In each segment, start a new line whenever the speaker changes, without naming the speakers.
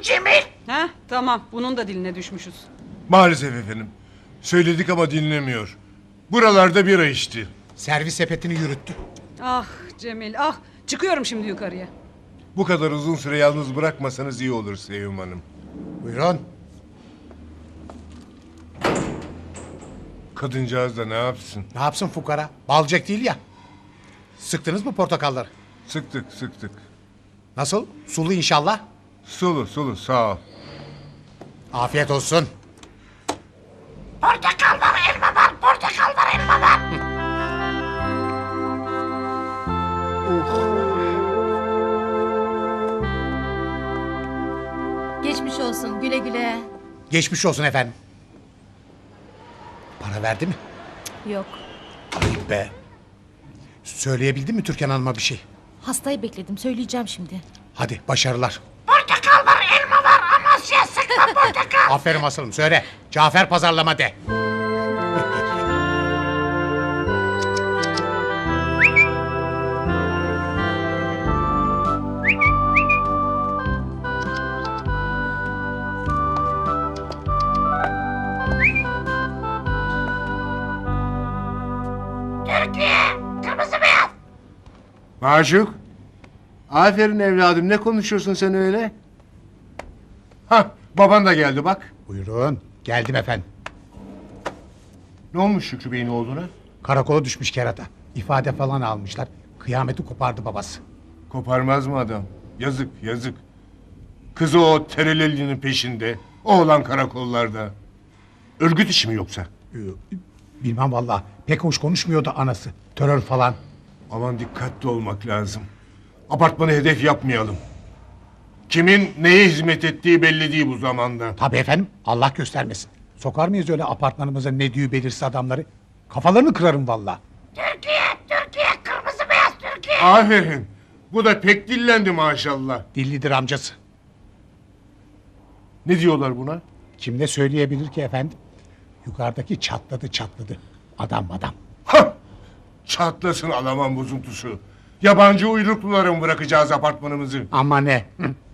Cemil.
Heh, tamam, bunun da diline düşmüşüz.
Maalesef efendim. Söyledik ama dinlemiyor. Buralarda bira içti.
Servis sepetini yürüttü.
Ah Cemil, ah. Çıkıyorum şimdi yukarıya.
Bu kadar uzun süre yalnız bırakmasanız iyi olur Sevim Hanım.
Buyurun.
Kadıncağız da ne yapsın?
Ne yapsın fukara? Balcek değil ya. Sıktınız mı portakalları?
Sıktık.
Nasıl? Sulu inşallah.
Sulu sağ ol.
Afiyet olsun.
Portakal var, elma var, portakal var, elma var.
Geçmiş olsun, güle güle.
Geçmiş olsun efendim. Para verdi mi?
Yok,
Ayıp be. Söyleyebildin mi Türkan Hanım'a bir şey?
hastayı bekledim, söyleyeceğim şimdi.
Hadi başarılar.
Portakal var, elma var, Amasya sıkma portakal.
Aferin asılım söyle. Cafer pazarlama de.
Türkiye, kırmızı beyaz.
Maşuk. Aferin evladım, ne konuşuyorsun sen öyle? Hah, baban da geldi bak.
Buyurun. Geldim efendim.
Ne olmuş Şükrü Bey'in oğluna?
Karakola düşmüş kerata. İfade falan almışlar. Kıyameti kopardı babası.
Koparmaz mı adam? Yazık. Kızı o terelelinin peşinde. Oğlan karakollarda. Örgüt işi mi yoksa?
Bilmem vallahi. Pek hoş konuşmuyordu anası. Terör falan.
Aman dikkatli olmak lazım. Apartmanı hedef yapmayalım. Kimin neye hizmet ettiği belli değil bu zamanda.
Tabii efendim. Allah göstermesin. Sokar mıyız öyle apartmanımıza ne diyor belirsiz adamları? Kafalarını kırarım vallahi.
Türkiye, kırmızı beyaz Türkiye.
Aferin. Bu da pek dillendi maşallah.
Dillidir amcası.
Ne diyorlar buna?
Kim ne söyleyebilir ki efendim? Yukarıdaki çatladı. Adam.
Hah! Çatlasın Alaman bozuntusu. Yabancı uyruklulara mı bırakacağız apartmanımızı?
Ama ne?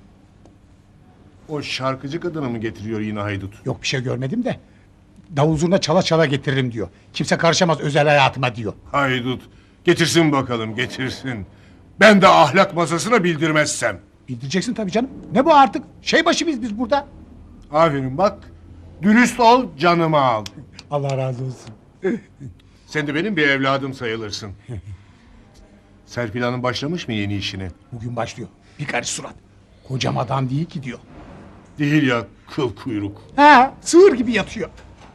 O şarkıcı kadını mı getiriyor yine haydut?
Yok bir şey görmedim de. Davul zurna çala çala getiririm diyor. Kimse karışamaz özel hayatıma diyor.
Haydut. Getirsin bakalım, getirsin. Ben de ahlak masasına bildirmezsem.
Bildireceksin tabii canım. Ne bu artık? Şey başı biz burada.
Aferin bak. Dürüst ol, canımı al.
Allah razı olsun.
Sen de benim bir evladım sayılırsın. Serpil Hanım başlamış mı yeni işine?
Bugün başlıyor. Bir karış surat. Kocam adam değil ki diyor.
Değil ya, kıl kuyruk.
Ha, sığır gibi yatıyor.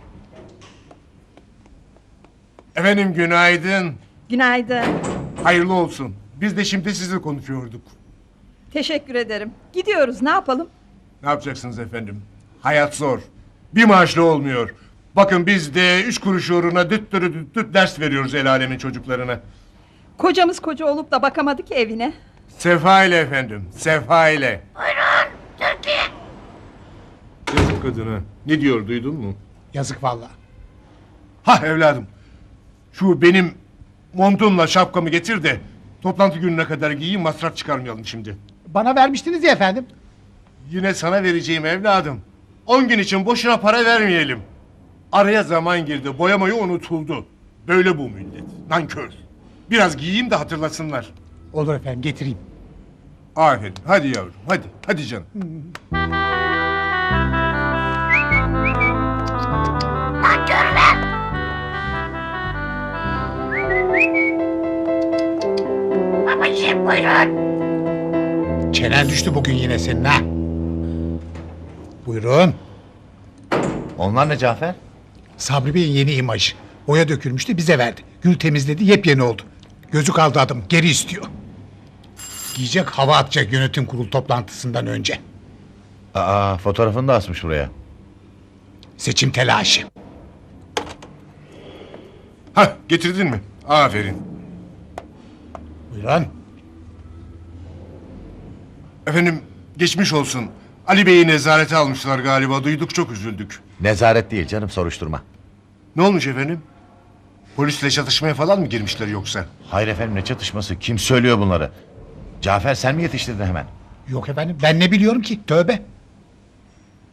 Efendim günaydın.
Günaydın.
Hayırlı olsun. Biz de şimdi sizinle konuşuyorduk.
Teşekkür ederim. Gidiyoruz, ne yapalım?
Ne yapacaksınız efendim? Hayat zor. Bir maaşla olmuyor. Bakın biz de 3 kuruş uğruna düt ders veriyoruz el alemin çocuklarına.
Kocamız koca olup da bakamadı ki evine.
Sefa ile efendim, sefa ile.
Buyurun, Türkiye.
Yazık kadına. Ne diyor duydun mu?
Yazık vallahi.
Hah evladım. Şu benim montumla şapkamı getir de toplantı gününe kadar giyeyim, masraf çıkarmayalım şimdi.
Bana vermiştiniz ya efendim.
Yine sana vereceğim evladım. 10 gün için boşuna para vermeyelim. Araya zaman girdi, boyamayı unutuldu. Böyle bu millet. Nankör. Biraz giyeyim de hatırlasınlar.
Olur efendim getireyim.
Aferin. Hadi yavrum. Hadi canım.
Nankörler. Babacığım buyurun.
Çenen düştü bugün yine senin ha. Buyurun.
Onlar ne Cafer?
Sabri Bey'in yeni imajı. Boya dökülmüştü bize verdi. Gül temizledi yepyeni oldu. Gözü kaldı adım geri istiyor. Giyecek hava atacak yönetim kurulu toplantısından önce.
Aa, fotoğrafını da asmış buraya.
Seçim telaşı.
Hah getirdin mi? Aferin.
Buyurun.
Efendim geçmiş olsun. Ali Bey'i nezarete almışlar galiba. Duyduk çok üzüldük.
Nezaret değil canım, soruşturma.
Ne olmuş efendim? Polisle çatışmaya falan mı girmişler yoksa?
Hayır efendim, ne çatışması, kim söylüyor bunları? Cafer sen mi yetiştirdin hemen?
Yok efendim ben ne biliyorum ki tövbe.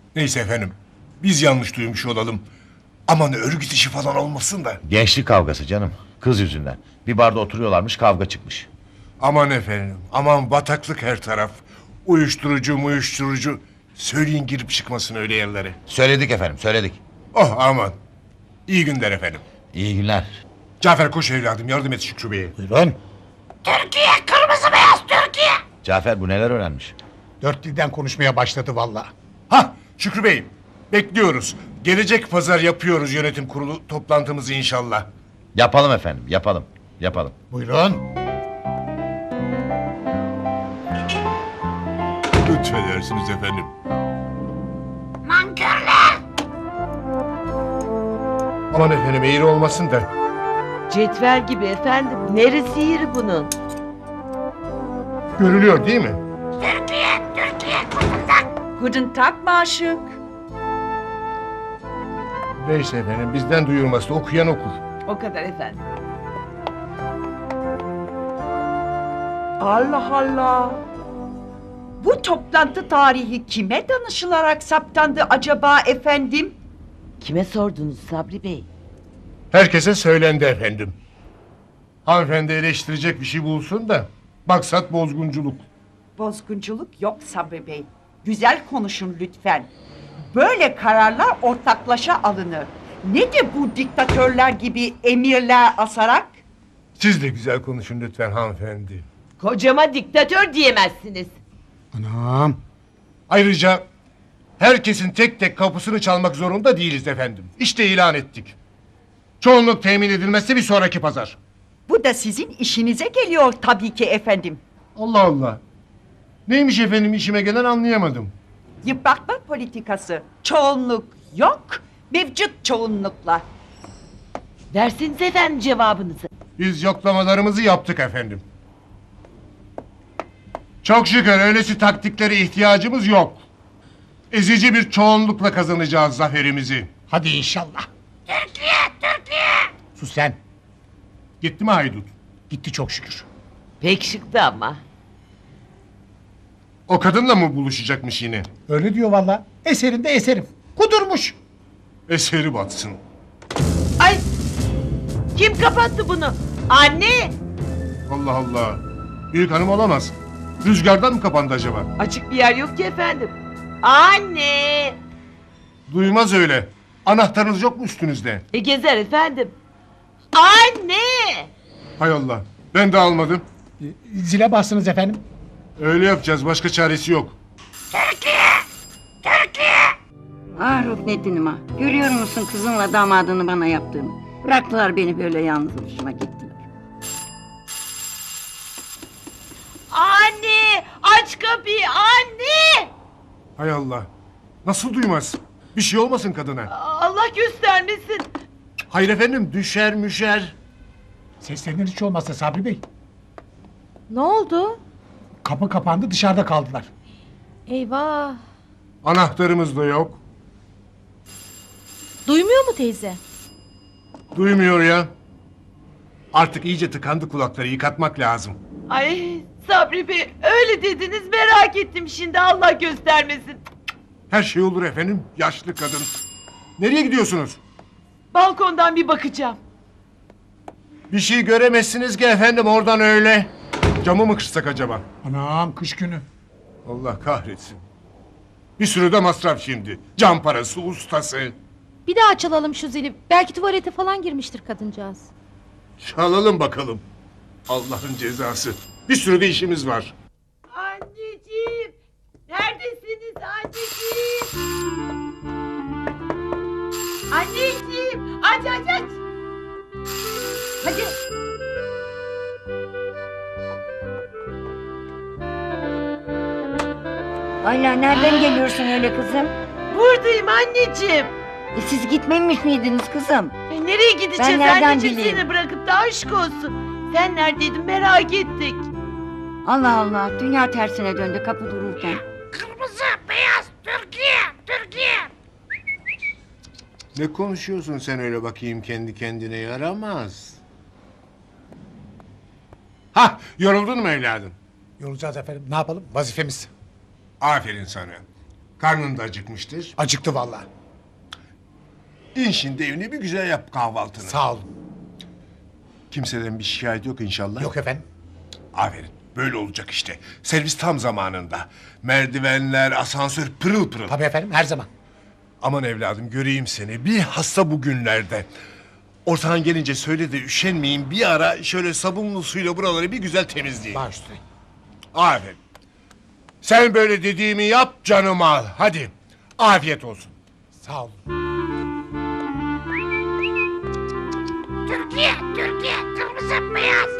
Neyse efendim. Biz yanlış duymuş olalım. Aman örgüt işi falan olmasın da.
Gençlik kavgası canım. Kız yüzünden. Bir barda oturuyorlarmış, kavga çıkmış.
Aman efendim. Aman bataklık her taraf. Uyuşturucu. Söyleyin girip çıkmasın öyle yerlere.
Söyledik efendim, söyledik.
Oh aman. İyi günler efendim.
İyi günler.
Cafer koş evladım yardım et Şükrü Bey'e.
Buyurun.
Türkiye kırmızı beyaz Türkiye.
Cafer bu neler öğrenmiş?
4 dilden konuşmaya başladı valla.
Hah Şükrü Bey. Bekliyoruz. Gelecek pazar yapıyoruz yönetim kurulu toplantımızı inşallah.
Yapalım efendim, yapalım. Yapalım.
Buyurun.
Lütfedersiniz efendim.
Nankörler.
Aman efendim eğri olmasın da.
Cetvel gibi efendim. Neresi yeri bunun?
Görülüyor değil mi?
Türkiye kutundan.
Guten Tag Maşık.
Neyse efendim bizden duyurması okuyan okur.
O kadar efendim. Allah Allah.
Bu toplantı tarihi kime danışılarak saptandı acaba efendim?
Kime sordunuz Sabri Bey?
Herkese söylendi efendim. Hanımefendi eleştirecek bir şey bulsun da maksat bozgunculuk.
Bozgunculuk yok Sabri Bey. Güzel konuşun lütfen. Böyle kararlar ortaklaşa alınır. Nedir bu diktatörler gibi emirler asarak?
Siz de güzel konuşun lütfen hanımefendi.
Kocama diktatör diyemezsiniz.
Anam.
Ayrıca herkesin tek tek kapısını çalmak zorunda değiliz efendim. İşte ilan ettik. Çoğunluk temin edilmezse bir sonraki pazar.
Bu da sizin işinize geliyor tabii ki efendim.
Allah Allah. Neymiş efendim işime gelen anlayamadım.
Yıpratma politikası. Çoğunluk yok, mevcut çoğunlukla.
Versiniz efendim cevabınızı.
Biz yoklamalarımızı yaptık efendim. Çok şükür öylesi taktiklere ihtiyacımız yok. Ezici bir çoğunlukla kazanacağız zaferimizi.
Hadi inşallah.
Türkiye.
Sus sen.
Gitti mi haydut?
Gitti çok şükür.
Pek şıktı ama.
O kadınla mı buluşacakmış yine?
Öyle diyor valla. Eserinde eserim. Kudurmuş.
Eseri batsın.
Ay! Kim kapattı bunu? Anne!
Allah Allah. Büyük hanım olamaz. Rüzgardan mı kapandı acaba?
Açık bir yer yok ki efendim. Anne!
Duymaz öyle. Anahtarınız yok mu üstünüzde?
Gezer efendim. Anne!
Hay Allah. Ben de almadım.
Zile bastınız efendim.
Öyle yapacağız. Başka çaresi yok.
Ah Ruknettin'im ah. Görüyor musun kızınla damadını bana yaptığını? Bıraktılar beni böyle yalnız başıma gittiler.
Anne! Aç kapıyı anne!
Hay Allah. Nasıl duymaz? Bir şey olmasın kadına.
Allah göstermesin.
Hayır efendim düşer müşer.
Seslenir hiç olmazsa Sabri Bey.
Ne oldu?
Kapı kapandı dışarıda kaldılar.
Eyvah.
Anahtarımız da yok.
Duymuyor mu teyze?
Duymuyor ya. Artık iyice tıkandı kulakları yıkatmak lazım.
Ay Sabri Bey öyle dediniz merak ettim şimdi Allah göstermesin.
Her şey olur efendim. Yaşlı kadın. Nereye gidiyorsunuz?
Balkondan bir bakacağım.
Bir şey göremezsiniz ki efendim oradan öyle. Camı mı kırsak acaba?
Anam kış günü.
Allah kahretsin. Bir sürü de masraf şimdi. Cam parası, ustası.
Bir daha çalalım şu zili. Belki tuvalete falan girmiştir kadıncağız.
Çalalım bakalım. Allah'ın cezası. Bir sürü de işimiz var.
Anneciğim neredesiniz anneciğim? Anneciğim aç. Hadi.
Hala nereden geliyorsun öyle kızım?
Buradayım anneciğim.
Siz gitmemiş miydiniz kızım?
Nereye gideceğiz
Ben nereden
anneciğim
bileyim?
seni bırakıp da aşk olsun. Sen neredeydin merak ettik.
Allah Allah dünya tersine döndü kapı dururken.
Kırmızı beyaz Türkiye.
Ne konuşuyorsun sen öyle bakayım kendi kendine yaramaz. Hah yoruldun mu evladım?
Yorulacağız efendim. Ne yapalım? Vazifemiz.
Aferin sana. Karnın da acıkmıştır.
Acıktı vallahi.
İn şimdi evine bir güzel yap kahvaltını.
Sağ olun.
Kimseden bir şikayet yok inşallah.
Yok efendim.
Aferin. Böyle olacak işte. Servis tam zamanında. Merdivenler, asansör pırıl pırıl.
Tabii efendim, her zaman.
Aman evladım göreyim seni. Bir hasta bugünlerde. Ortadan gelince söyle de üşenmeyin. Bir ara şöyle sabunlu suyla buraları bir güzel temizleyin.
Baş üstüne.
Aferin. Sen böyle dediğimi yap canım al. Hadi. Afiyet olsun.
Sağ olun.
Türkiye, Türkiye, kırmızı beyaz.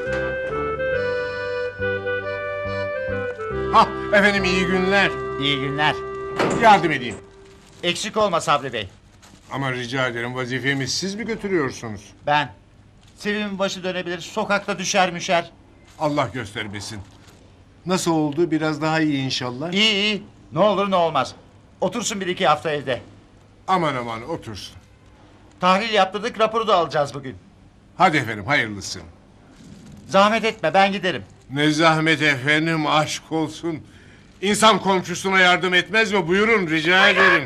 Hah efendim iyi günler.
İyi günler.
Yardım edeyim.
Eksik olma Sabri Bey.
Ama rica ederim vazifemi siz mi götürüyorsunuz?
Ben. Sevim'in başı dönebilir, sokakta düşer müşer.
Allah göstermesin. Nasıl oldu? Biraz daha iyi inşallah.
İyi iyi. Ne olur ne olmaz. Otursun bir iki hafta evde.
Aman aman otursun.
Tahlil yaptırdık, raporu da alacağız bugün.
Hadi efendim hayırlısı.
Zahmet etme, ben giderim.
Ne zahmet efendim aşk olsun. İnsan komşusuna yardım etmez mi? Buyurun rica ederim.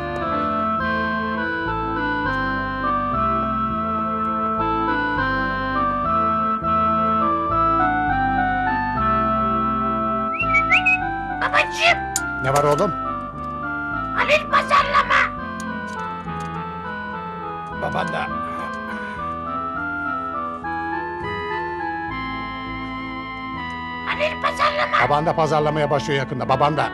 Babacığım,
Ne var oğlum?
Halil pazarlama.
Baban da.
Halil pazarlama.
Baban da pazarlamaya başlıyor yakında. Baban da.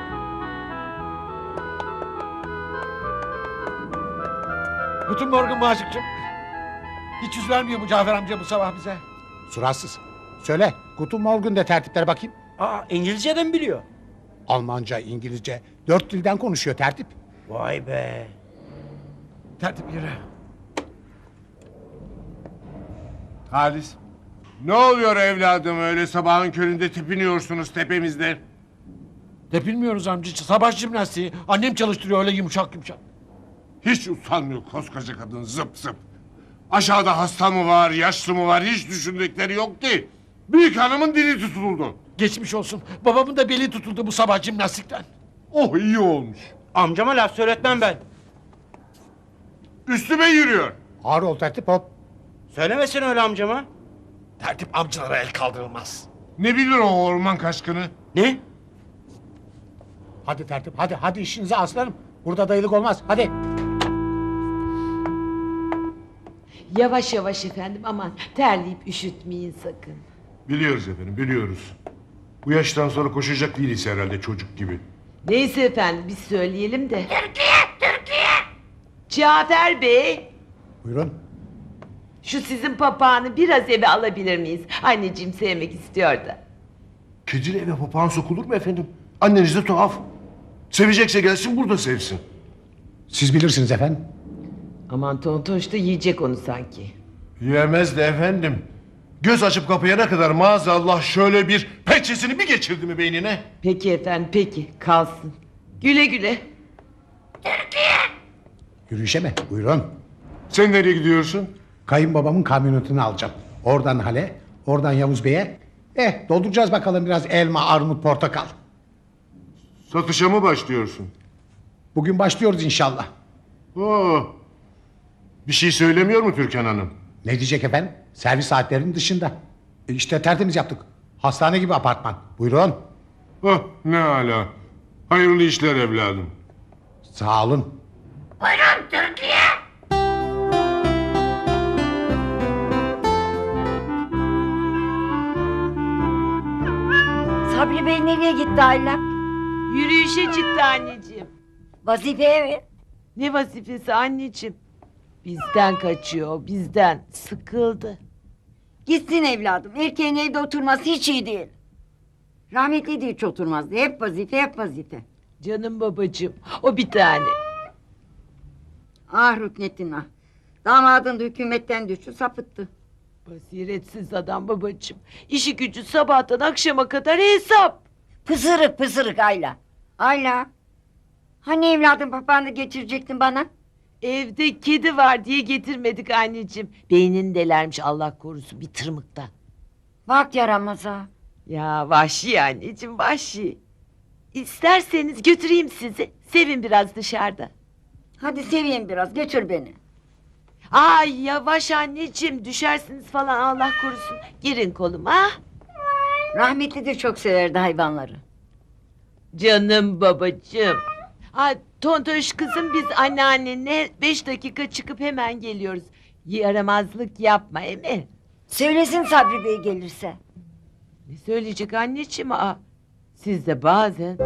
Guten Morgen Maşıkçım. Hiç yüz vermiyor mu Cafer amca bu sabah bize?
Suratsız. Söyle. Guten Morgen de tertiplere bakayım.
Aa, İngilizce de mi biliyor?
Almanca, İngilizce. 4 dilden konuşuyor tertip.
Vay be. Tertip yürü.
Halis. Ne oluyor evladım öyle sabahın köründe tepiniyorsunuz tepemizde?
Tepinmiyoruz amca. Sabah jimnastiği. Annem çalıştırıyor öyle yumuşak yumuşak.
Hiç utanmıyor koskoca kadın zıp zıp. Aşağıda hasta mı var, yaşlı mı var hiç düşündükleri yok ki. Büyük hanımın dili tutuldu.
Geçmiş olsun. Babamın da beli tutuldu bu sabah jimnastikten.
Oh iyi olmuş.
Amcama laf söyletmem ben.
Üstüme yürüyor.
Ağır ol tertip hop.
Söylemesin öyle amcama. Tertip amcalara el kaldırılmaz.
Ne bilir o orman kaşkını?
Ne?
Hadi tertip hadi hadi işinize aslanım. Burada dayılık olmaz hadi.
Yavaş yavaş efendim, aman terleyip üşütmeyin sakın.
Biliyoruz efendim biliyoruz. Bu yaştan sonra koşacak değiliz herhalde çocuk gibi.
Neyse efendim, biz söyleyelim de. Türkiye, Türkiye! Cafer Bey,
Buyurun.
şu sizin papağanı biraz eve alabilir miyiz? Anneciğim sevmek istiyor da.
Kedili eve papağan sokulur mu efendim? Anneniz de tuhaf. Sevecekse gelsin burada sevsin.
Siz bilirsiniz efendim.
Aman Tontoş da yiyecek onu sanki.
Yemez de efendim. Göz açıp kapayana kadar maazallah şöyle bir pençesini bir geçirdi mi beynine?
Peki efendim, peki kalsın. Güle güle.
Yürüyüşe mi? Buyurun.
Sen nereye gidiyorsun?
Kayınbabamın kamyonetini alacağım. Oradan Hale, oradan Yavuz Bey'e. Dolduracağız bakalım biraz elma, armut, portakal.
Satışa mı başlıyorsun?
Bugün başlıyoruz inşallah.
Oo. Bir şey söylemiyor mu Türkan Hanım?
Ne diyecek efendim? Servis saatlerinin dışında. İşte tertemiz yaptık. Hastane gibi apartman. Buyurun.
Oh ne âlâ. Hayırlı işler evladım.
Sağ olun.
Buyurun Türkiye.
Sabri Bey nereye gitti ailem?
Yürüyüşe çıktı anneciğim.
Vazifeye mi?
Ne vazifesi anneciğim? Bizden kaçıyor, bizden. Sıkıldı.
Gitsin evladım. Erkeğin evde oturması hiç iyi değil. Rahmetli de hiç oturmazdı. Hep vazife, hep vazife.
Canım babacığım, o bir tane.
Ah Rüknettin ah. Damadın da hükümetten düştü, sapıttı.
Basiretsiz adam babacığım. İşi gücü sabahtan akşama kadar hesap.
Pısırık pısırık Ayla. Ayla. Hani evladım papağanı getirecektin bana?
Evde kedi var diye getirmedik anneciğim. Beynini delermiş Allah korusun bir tırmıktan.
Bak yaramaz ha.
Ya vahşi anneciğim, vahşi. İsterseniz götüreyim sizi. Sevin biraz dışarıda.
Hadi seveyim biraz götür beni.
Ay yavaş anneciğim düşersiniz falan Allah korusun. Girin koluma.
Rahmetli de çok severdi hayvanları.
Canım babacığım. Ha, Tontoş kızım biz anneannenle 5 dakika çıkıp hemen geliyoruz. Yaramazlık yapma emi.
Söylesin Sabri Bey gelirse.
Ne söyleyecek anneciğim? Aa, siz de bazen...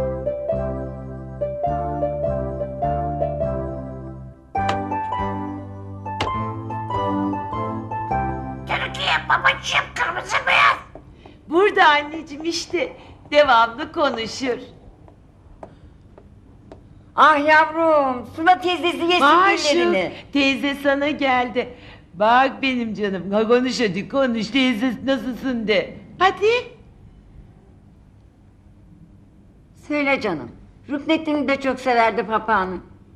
Türkiye babacığım kırmızı beyaz.
Burada anneciğim işte devamlı konuşur.
Ah yavrum, Suna teyzesi yesin
Maşuk
güllerini.
teyze sana geldi. Bak benim canım ha, konuş hadi konuş teyze nasılsın de. Hadi.
Söyle canım. Ruknettin'i de çok severdi papağanı.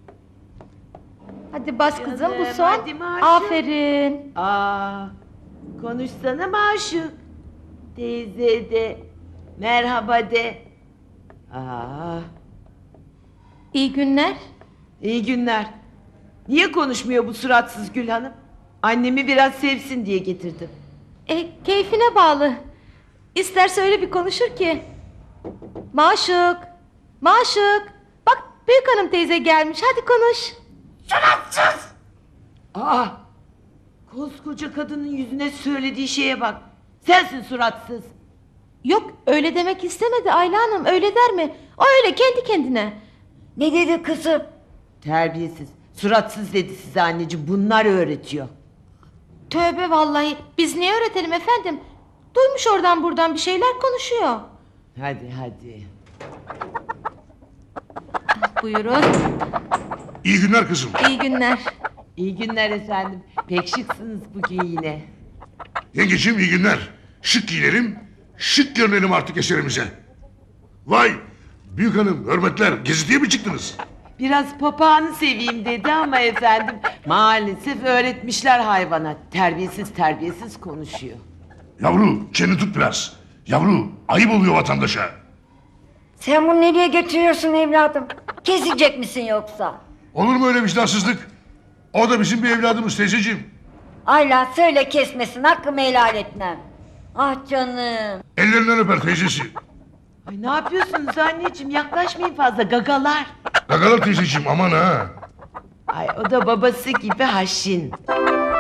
Hadi bas kızım bu
Canım,
son.
hadi Maşuk.
Aferin.
Aa, konuşsana Maşuk. Teyze de merhaba de. Aa,
İyi günler.
iyi günler. Niye konuşmuyor bu suratsız Gül Hanım? Annemi biraz sevsin diye getirdim.
Keyfine bağlı. İsterse öyle bir konuşur ki. Maşuk. Maşuk. Bak büyük hanım teyze gelmiş. Hadi konuş.
Suratsız.
Aa, koskoca kadının yüzüne söylediği şeye bak. Sensin suratsız.
Yok öyle demek istemedi Ayla Hanım. Öyle der mi? O öyle kendi kendine.
Ne dedi kızım?
Terbiyesiz. Suratsız dedi size anneciğim. Bunlar öğretiyor.
Tövbe vallahi. Biz niye öğretelim efendim? Duymuş oradan buradan bir şeyler konuşuyor.
Hadi hadi.
Buyurun.
İyi günler kızım.
İyi günler.
İyi günler efendim. Pek şıksınız bugün yine.
Yengeciğim iyi günler. Şık giyinelim, şık görünelim artık eserimize. Vay! Büyük hanım, hürmetler. Geziye mi çıktınız?
Biraz papağanı seveyim dedi ama efendim maalesef öğretmişler hayvana. Terbiyesiz konuşuyor.
Yavru, çeni tut biraz. Yavru, ayıp oluyor vatandaşa.
Sen bunu nereye götürüyorsun evladım? Kesecek misin yoksa?
Olur mu öyle vicdansızlık? O da bizim bir evladımız teyzeciğim.
Ayla söyle kesmesin hakkımı helal etmem. Ah canım.
Ellerinden öper teyzesi.
Ay ne yapıyorsunuz anneciğim yaklaşmayın fazla gagalar.
Gagalar teyzeciğim aman ha.
Ay o da babası gibi haşin.